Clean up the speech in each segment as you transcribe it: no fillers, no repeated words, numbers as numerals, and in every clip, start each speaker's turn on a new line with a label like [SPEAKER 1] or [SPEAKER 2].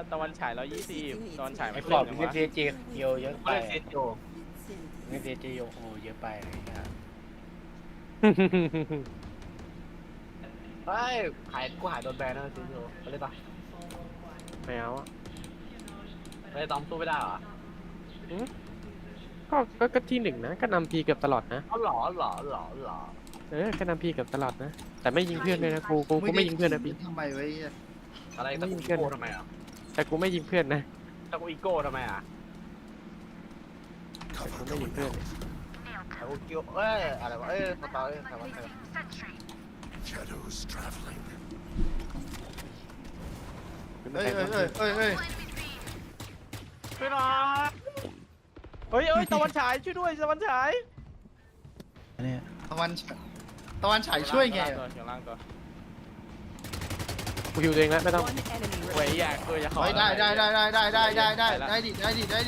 [SPEAKER 1] ตะวันฉาย120ตะวันฉาย
[SPEAKER 2] ไอ้
[SPEAKER 1] ไม่
[SPEAKER 2] ขอบ
[SPEAKER 1] ขึ้น
[SPEAKER 2] เงิ
[SPEAKER 1] วะ
[SPEAKER 2] นเจเจเยอะไป
[SPEAKER 3] ไม่เซ็ตโย
[SPEAKER 2] เงินเจเจโอ้เยอะไปอะไรเงี้ย
[SPEAKER 3] เฮ้ยกูหายโดนแบนนะเซ็ตโยไปเลยปะ
[SPEAKER 4] ไม่เอาอะ
[SPEAKER 3] ไปตอมสู้ไม่ได้เหรอ
[SPEAKER 4] ก็ที่1นะก็นำพีเกือบตลอดนะ
[SPEAKER 3] อ๋อหรอ
[SPEAKER 4] ก็นำพีเกือบตลอดนะแต่ไม่ยิงเพื่อนเลยนะกูไม่ยิงเพื่อนนะพี่
[SPEAKER 5] ทำไมไว้
[SPEAKER 3] อะไรตะกูอีโก้ทำไมอ่ะ
[SPEAKER 4] แต่กูไม่ยิงเพื่อนนะ
[SPEAKER 3] ตะกูอีโก้ทำไมอ่ะ
[SPEAKER 4] แต่กูไม่ยิงเพื่อน
[SPEAKER 3] ตะกูเกียวอะไรวะสตอรี่อะไรวะ
[SPEAKER 6] Shadows traveling.
[SPEAKER 5] เฮ้ย
[SPEAKER 3] ไม่รอ
[SPEAKER 1] เฮ้ยตะวันฉายช่วยด้วยตะวันฉาย
[SPEAKER 5] เนี่ยตะวันฉายช่วยไง
[SPEAKER 1] เฉียงล่างตัว
[SPEAKER 4] กูฮิวตัวเองแล้วไม่ต้อง
[SPEAKER 7] One enemy
[SPEAKER 1] เว้ย
[SPEAKER 7] remaining.
[SPEAKER 1] อยากตัวจะขอ
[SPEAKER 5] เฮ้ยได้ดิ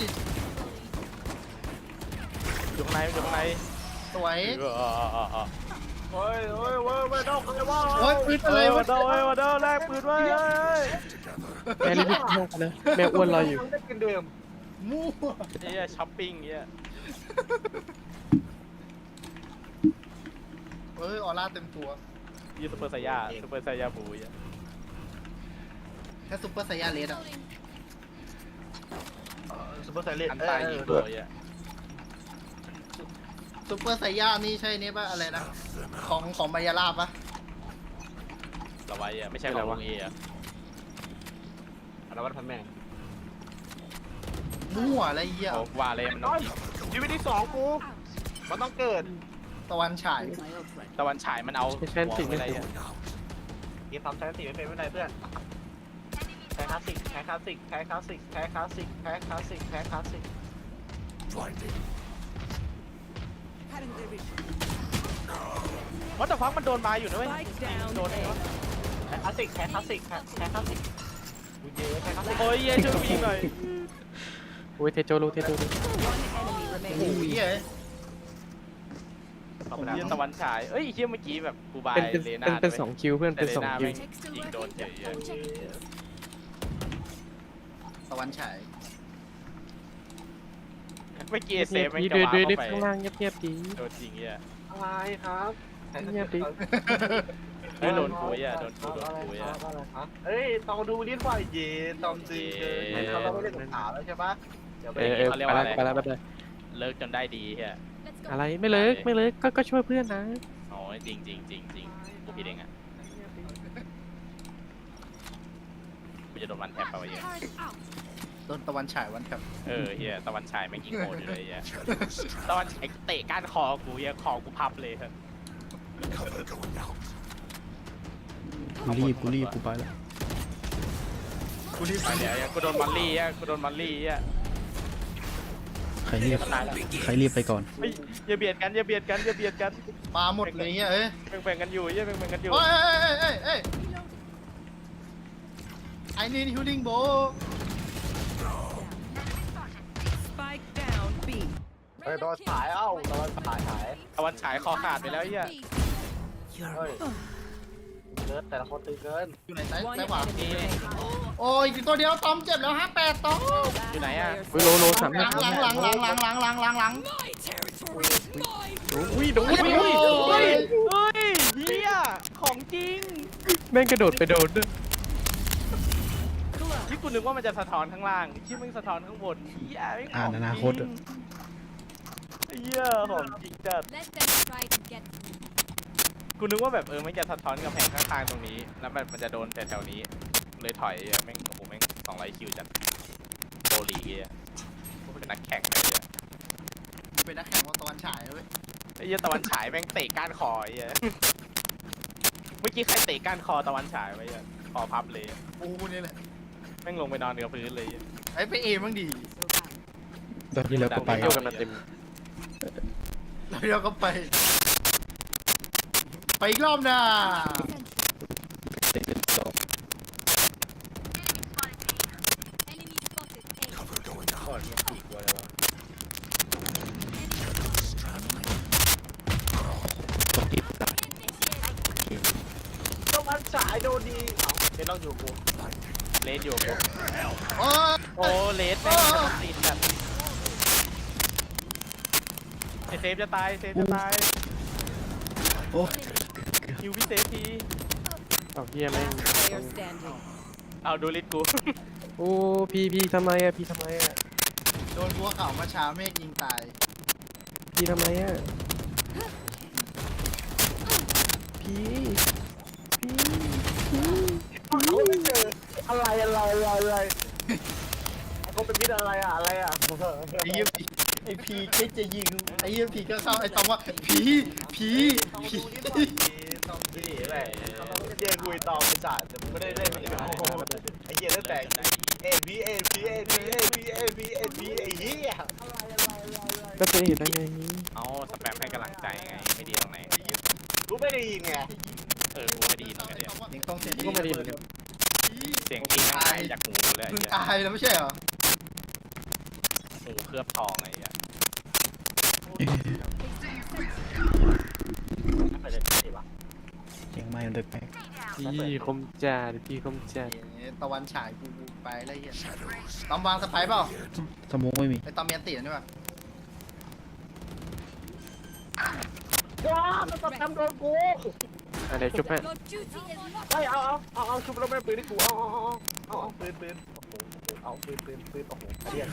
[SPEAKER 1] อยู่ข้างใน
[SPEAKER 5] สวย
[SPEAKER 3] เฮ้ยไม่ต้องเลยว่า
[SPEAKER 5] โอ้ยปืนอะไรวะ
[SPEAKER 1] วันเดอร์แลกปืนไว้
[SPEAKER 4] แม่รีบๆเข้ามาเลยแม่อ้วนรออยู่
[SPEAKER 3] ได้กินเดิม
[SPEAKER 5] มั่ว
[SPEAKER 1] เฮียช้อปปิ้งเฮีย
[SPEAKER 5] เฮ้ยออร่าเต็มตัว
[SPEAKER 1] ยูซูเปอร์ไซยาบูเฮีย
[SPEAKER 5] แค่ซุปเปอร์ไซยาเลสอ่ะ
[SPEAKER 3] ซุปเปอร์ไซเลน
[SPEAKER 1] อันตายยิงตัวเฮีย
[SPEAKER 5] ซุปเปอร์ไซยานี่ใช่นี่ป่ะอะไรนะของมายาลาบป่ะ
[SPEAKER 1] ระไว้อะไม่ใช่ของลุงเออะ
[SPEAKER 3] อะไรวะพันแม่ง
[SPEAKER 5] มั่วอะไรเงี้ย
[SPEAKER 1] โอ้ว่าเลยมันต้องยิง
[SPEAKER 3] ชีวิตที่2กูมันต้องเกิด
[SPEAKER 5] ตะวันฉาย
[SPEAKER 1] ตะวันฉายมันเอาหัวไปอะไรอะ
[SPEAKER 3] เกมทำใช้สีไม่เป็นไม่ได้เพื่อนแพ้คลาสสิก
[SPEAKER 6] Blinding.
[SPEAKER 1] ว่าแต่ฟังมันโดนมาอยู่นะเว้ย
[SPEAKER 7] Spike down
[SPEAKER 1] โดน
[SPEAKER 7] A.
[SPEAKER 3] แพ้คลาสสิกกูเยอะแพ้คลาสสิก
[SPEAKER 1] โอ้ยเฮียช่วยกูยิงหน่อย
[SPEAKER 4] โอ้ยเทโจรู้
[SPEAKER 7] One enemy
[SPEAKER 5] โอ้
[SPEAKER 7] remaining.
[SPEAKER 5] ยเฮ้ย
[SPEAKER 3] เข้าไปแล้ว
[SPEAKER 1] เฮียตะวันฉายเอ้ยเฮียเมื่อกี้แบบกูบาย
[SPEAKER 4] เป็น
[SPEAKER 1] เลน่า
[SPEAKER 4] เป็น2คิวเพื่อน
[SPEAKER 1] แต่
[SPEAKER 4] เป็น
[SPEAKER 1] เลน่า
[SPEAKER 4] 2คิว
[SPEAKER 1] แม่งยิงโดนเฉย
[SPEAKER 5] ตะวันฉาย
[SPEAKER 1] เมื่อกี้เซฟไม่
[SPEAKER 4] ดี
[SPEAKER 1] จะ
[SPEAKER 4] ดู
[SPEAKER 1] วา
[SPEAKER 4] ดู
[SPEAKER 1] เข้าไป
[SPEAKER 4] ข้างล่างเงียบๆดี
[SPEAKER 1] โดนยิงเฮีย
[SPEAKER 3] อะไรครับ
[SPEAKER 4] เงียบดิ
[SPEAKER 1] เฮ้ยโดนกูอ่ะโดนกูอ่ะ
[SPEAKER 3] เอ้ยตองดูลิ้นไหวเย็นตองจริงเขาไม่ได้สงขาแล้วใช่ปะเดี๋ยวไป
[SPEAKER 4] ไปแล้ว
[SPEAKER 1] เลิกจนได้ดีเฮีย
[SPEAKER 4] อะไรไม่เลิกก็ช่วยเพื่อนนะ
[SPEAKER 1] โอ้ยจริงกูผิดเองอ่ะกูจะโดนวันแทบไปวะเฮีย
[SPEAKER 5] โดนตะวันฉายวันครับ
[SPEAKER 1] เฮียตะวันฉายแม่งยิงโหดอยู่เลยเฮีย
[SPEAKER 6] Shadows
[SPEAKER 1] ตะวัน
[SPEAKER 6] traveling.
[SPEAKER 1] ฉายเตะก้านคอกูเฮียคอกูพับเลยครับ
[SPEAKER 6] Cover going out.
[SPEAKER 8] กูรีบกูไปแล้ว
[SPEAKER 5] กูรีบ
[SPEAKER 1] ไปเดี๋ยวกูโดนมันลี่อ่ะกูโดนมันลี่อ่ะ
[SPEAKER 8] ใครรีบไปก่อน
[SPEAKER 1] เฮ้ยอย่าเบียดกัน
[SPEAKER 5] ปลาหมดเลยเฮ้ย
[SPEAKER 1] แบ่งกันอยู่เฮียแบ่งกันอยู่
[SPEAKER 5] เฮ้ยไอ้นี่ฮิลลิ่งโบ
[SPEAKER 7] Spike down B.
[SPEAKER 3] เฮ้ยตอนฉายตอนฉาย
[SPEAKER 1] ตะวันฉายคอขาดไปแล้วเฮีย
[SPEAKER 3] เฮ้ยเกินแต่ละคนตึงเกิน
[SPEAKER 5] อยู่ไหนซ้าย
[SPEAKER 7] One
[SPEAKER 5] ซ้ายขวา
[SPEAKER 7] enemy remaining.
[SPEAKER 5] โอ้ยอีกตัวเดียวตอมเจ็บแล้ว58ตอม
[SPEAKER 1] อยู่ไหนอ่ะ
[SPEAKER 4] โลสาม
[SPEAKER 5] หลัง
[SPEAKER 1] อุ้ยโดนเฮ้ยเฮียของจริง
[SPEAKER 4] แม่งกระโดดไปโดนด้วย
[SPEAKER 1] ที่กูนึกว่ามันจะสะท้อนข้างล่างที่มึงสะท้อนข้างบนเฮียไม่ง
[SPEAKER 8] อ่านอนาคตอะ
[SPEAKER 1] เฮียของจริงจัด
[SPEAKER 9] Let them try to get me.
[SPEAKER 1] กูนึกว่าแบบมันจะสะท้อนกำแพงข้างๆตรงนี้ แล้วมันจะโดนแต่แถวนี้ เลยถอยแม่งโอ้โหแม่ง200คิวจัดโปรลีกอ่ะเป็นนักแข่งเลยอ่ะ
[SPEAKER 5] เป็นนักแข่งว่าตะวันฉายเว้ย
[SPEAKER 1] ไอ้เหี้ยตะวันฉายแม่งเตะก้านคอไอ้เหี้ยเมื่อกี้ใครเตะก้านคอตะวันฉายไว้อ่ะคอพับเลยอะ
[SPEAKER 5] กูนี่แหละ
[SPEAKER 1] แม่งลงไปนอนกับพื้นเลยอะ
[SPEAKER 5] ไอ้ไปเอบ้างดี
[SPEAKER 8] ตอนที่แล้วก็ไป
[SPEAKER 4] โยกกันมาเต็ม
[SPEAKER 5] แล้วเราก็ไปอีกรอบนะ
[SPEAKER 9] Enemy spotted. A.
[SPEAKER 6] Cover going
[SPEAKER 2] ก่อน
[SPEAKER 6] out.
[SPEAKER 2] มีกี่ตัวเลยวะ
[SPEAKER 6] Shadows traveling.
[SPEAKER 8] ต้องรีบกลับ
[SPEAKER 3] ต้องมันฉายโดนดีเป็นต้องอยู่กู
[SPEAKER 1] เลเลสอยู่กู
[SPEAKER 5] โอ้
[SPEAKER 1] โอ้เลสแม่งจะติดแบบไอเซฟจะตายเซฟจะตาย
[SPEAKER 8] โอ้
[SPEAKER 1] คิวพี่เซฟที
[SPEAKER 4] เอาเฮียแม่ง
[SPEAKER 7] Player standing.
[SPEAKER 1] เอาดูลิสกู
[SPEAKER 4] โอ้พี่ทำไมอะพี่ทำไมอะ
[SPEAKER 5] โดนบัวเขามาช้าเมฆยิงตาย
[SPEAKER 4] พี่ทำไมอะพี่พี่
[SPEAKER 3] อะไรเขาเป็นมิตรอะไรอะอะไรอะ
[SPEAKER 5] ไอ้เหี้ยผีไอ้ผีคิดจะยิงไอ้เหี้ยผีก็เข้าไอ้ตอมว่าผีผี
[SPEAKER 3] ตอง
[SPEAKER 5] ผี
[SPEAKER 3] ดูนี่ก่อนเจตองดีแหละเจ๊คุยตองไปจ่ายแต่มึงไม่ได้เล่นไอ้เหี้ยตั้งแต่เอ็นพีไอ้เหี้ย
[SPEAKER 4] ก็จะเห็นได้ไง
[SPEAKER 1] เอาสแปมให้กำลังใจไงไม่ดีตรงไหน
[SPEAKER 3] กูไม่ได้ยินไง
[SPEAKER 1] กูไม่ดีเหมือนกันเนี่ย
[SPEAKER 5] ยิงต้องเสียง
[SPEAKER 4] ก็ไม่ดีเหมือนกัน
[SPEAKER 1] เสียงจริงหายจากหูเลย
[SPEAKER 5] มึง
[SPEAKER 1] ไอ้
[SPEAKER 5] ตายแล้วไม่ใช่เหรอ
[SPEAKER 1] หูเคลือบทองไอ้เหี้ย
[SPEAKER 3] ไปเลยสิวะ
[SPEAKER 8] เสียงไม่มันแปลก
[SPEAKER 4] พี่คมจัดพี่คมจัด
[SPEAKER 5] ตะวันฉายกูไปแล้วเหี้ยตอมวางสไปร์เปล่า
[SPEAKER 8] ๆสโมกไม่มี
[SPEAKER 5] ไอ้ตอมมีอันตีนด้วยป่ะ
[SPEAKER 3] ว้ามันจะทำโดนกู
[SPEAKER 4] อะไรจุ๊บฮะ
[SPEAKER 9] Your duty is not
[SPEAKER 3] ไอ้เอาชุบแล้วแม่ปืนที่กูเอาปืนเอาปืนโอ้โหเรียน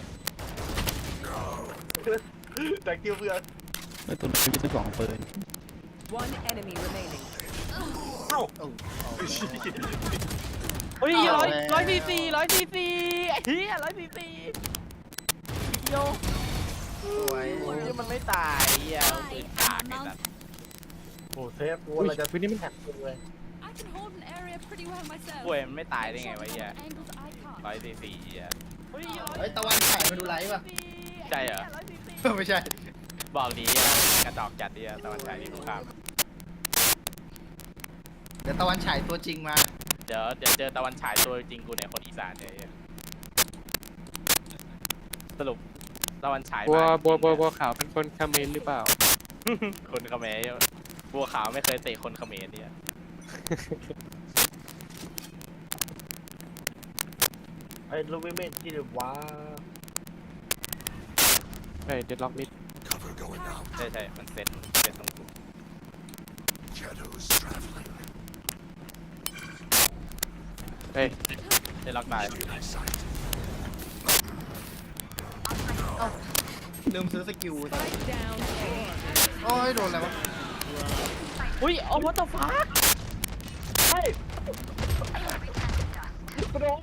[SPEAKER 3] แต่คิวเพื่อน
[SPEAKER 8] ไอ้ตัวนี้มีตัวสองปืน
[SPEAKER 7] One enemy remaining.
[SPEAKER 1] เฮ้ยร้อยซีซีไอ้เหี้ย144โย
[SPEAKER 5] สวย
[SPEAKER 1] โอ้ยมันไม่ตายเหี้ยปืนกากไอ้สัส
[SPEAKER 3] โอ้เซฟกูอะไรจะ
[SPEAKER 4] วันนี้มัน
[SPEAKER 3] แท็กกูเลย
[SPEAKER 9] I can hold an area pretty well myself.
[SPEAKER 1] ป่วยมันไม่ตายได้ไงวะเหี้ย
[SPEAKER 9] Angles I can't.
[SPEAKER 1] 144เหี้ย
[SPEAKER 5] เฮ้ยตะวันฉายมาดูไลฟ์ป่ะ
[SPEAKER 1] ใช่เหรอ
[SPEAKER 5] ไม่ใช่
[SPEAKER 1] บอกดีอะกระจอกจัดดีอะตะวันฉายนี่กูข้าม
[SPEAKER 5] เดี๋ยวตะวันฉายตัวจริงมา
[SPEAKER 1] เดี๋ยวเจอตะวันฉายตัวจริงกูเนี่ยคนอีสานเนี่ยไอ้เหี้ยสรุปตะวันฉาย
[SPEAKER 4] บัว
[SPEAKER 1] มา
[SPEAKER 4] บัวขาวเป็นคนคาเขมนหรือเปล่า
[SPEAKER 1] คนเขมรบัวขาวไม่เคยเตะคนเขมรเนี่ย
[SPEAKER 3] ไอ้ลูกไม่ที่เดี๋ยวว้า
[SPEAKER 4] เฮ้ยเด็ดล็อกมิด
[SPEAKER 6] Cover going out.
[SPEAKER 1] ใช่มันเซ็ตตรงกู
[SPEAKER 6] Shadows traveling.
[SPEAKER 4] เฮ้ย
[SPEAKER 1] ได้ล็อกได้
[SPEAKER 6] Eyesight.
[SPEAKER 5] ลืมซื้อสกิล
[SPEAKER 7] Spike down. A.
[SPEAKER 5] โอ้ยโดนอะไรวะ
[SPEAKER 1] อุ้ยเอาวัตถุฟ้า
[SPEAKER 3] เฮ้ยกูโดน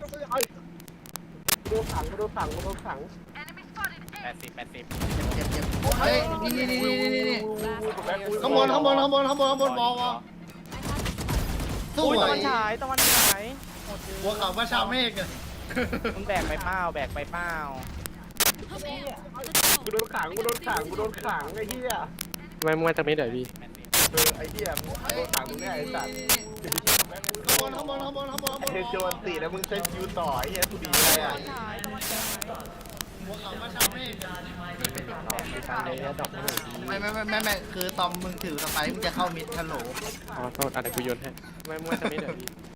[SPEAKER 3] ขัง
[SPEAKER 1] 80
[SPEAKER 5] เจ็บเฮ้ยนี่
[SPEAKER 7] Last player
[SPEAKER 5] ข้างบน
[SPEAKER 7] standing.
[SPEAKER 5] บอลส
[SPEAKER 1] อุ้ย
[SPEAKER 5] วย
[SPEAKER 1] ตะวันฉาย
[SPEAKER 5] บัวเขามาช้าเมฆอะ
[SPEAKER 1] มึงแบกไปเปล่าแบกไปเปล่า
[SPEAKER 9] Come here. Let's
[SPEAKER 3] กู
[SPEAKER 9] go.
[SPEAKER 3] โดนขังไอ้เหี้ย
[SPEAKER 4] ทำไมมึงมาจากมิดเหรอพี่
[SPEAKER 3] ไอ้เหี้ยมึงโดนขังมึงเนี่ยไอ้สัตว์
[SPEAKER 5] ข้างบน
[SPEAKER 3] เทโจนตีแล้วมึงเซตยูต่อไอ้เหี้ยกูดีอะไรอ่ะ
[SPEAKER 5] บัวเขามาช้าเมฆ
[SPEAKER 4] ตามเลยนะดอกไม่หน่อยดี
[SPEAKER 5] ไม่คือตอมมึงถือสไปร์มึงจะเข้ามิดฮัลโหล
[SPEAKER 4] อ๋อโทษอะไรกูโยนให้ทำไมมึงมาจากมิดเหรอพี่